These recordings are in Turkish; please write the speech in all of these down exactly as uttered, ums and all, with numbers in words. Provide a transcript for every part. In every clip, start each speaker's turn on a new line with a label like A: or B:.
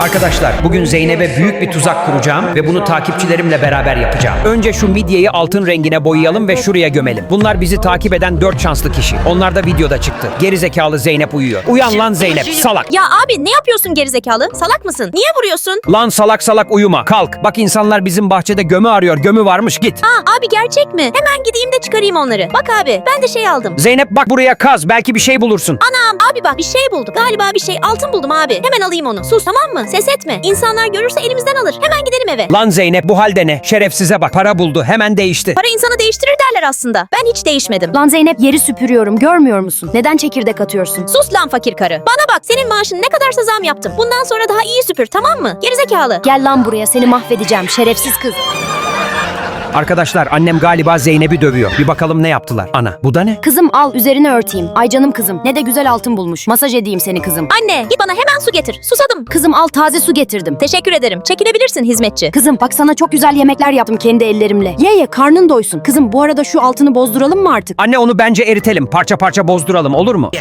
A: Arkadaşlar bugün Zeynep'e büyük bir tuzak kuracağım ve bunu takipçilerimle beraber yapacağım. Önce şu midyeyi altın rengine boyayalım ve şuraya gömelim. Bunlar bizi takip eden dört şanslı kişi. Onlar da videoda çıktı. Gerizekalı Zeynep uyuyor. Uyan lan Zeynep, salak.
B: Ya abi ne yapıyorsun gerizekalı? Salak mısın? Niye vuruyorsun?
A: Lan salak salak uyuma, kalk. Bak insanlar bizim bahçede gömü arıyor, gömü varmış, git.
B: Aa abi gerçek mi? Hemen gideyim de çıkarayım onları. Bak abi ben de şey aldım.
A: Zeynep bak buraya kaz, belki bir şey bulursun.
B: Anam abi bak bir şey buldum. Galiba bir şey altın buldum abi. Hemen alayım onu. Sus tamam mı? Ses etme. İnsanlar görürse elimizden alır. Hemen gidelim eve.
A: Lan Zeynep bu halde ne? Şerefsize bak, para buldu, hemen değişti.
B: Para insanı değiştirir derler aslında. Ben hiç değişmedim.
C: Lan Zeynep yeri süpürüyorum görmüyor musun? Neden çekirdek atıyorsun?
B: Sus lan fakir karı. Bana bak senin maaşın ne kadarsa zam yaptım. Bundan sonra daha iyi süpür tamam mı? Gerizekalı.
C: Gel lan buraya seni mahvedeceğim şerefsiz kız.
A: Arkadaşlar annem galiba Zeynep'i dövüyor. Bir bakalım ne yaptılar. Ana bu da ne?
C: Kızım al üzerine örteyim. Ay canım kızım ne de güzel altın bulmuş. Masaj edeyim seni kızım.
B: Anne git bana hemen su getir. Susadım.
C: Kızım al taze su getirdim.
B: Teşekkür ederim. Çekilebilirsin hizmetçi.
C: Kızım bak sana çok güzel yemekler yaptım kendi ellerimle. Ye ye karnın doysun. Kızım bu arada şu altını bozduralım mı artık?
A: Anne onu bence eritelim. Parça parça bozduralım, olur mu?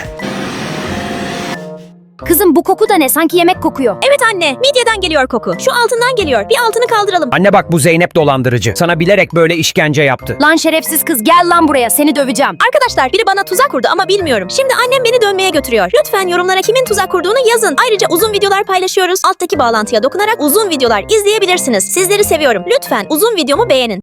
C: Kızım bu koku da ne? Sanki yemek kokuyor.
B: Evet anne midyeden geliyor koku. Şu altından geliyor. Bir altını kaldıralım.
A: Anne bak bu Zeynep dolandırıcı. Sana bilerek böyle işkence yaptı.
C: Lan şerefsiz kız gel lan buraya seni döveceğim.
B: Arkadaşlar biri bana tuzak kurdu ama bilmiyorum. Şimdi annem beni dönmeye götürüyor. Lütfen yorumlara kimin tuzak kurduğunu yazın. Ayrıca uzun videolar paylaşıyoruz. Alttaki bağlantıya dokunarak uzun videolar izleyebilirsiniz. Sizleri seviyorum. Lütfen uzun videomu beğenin.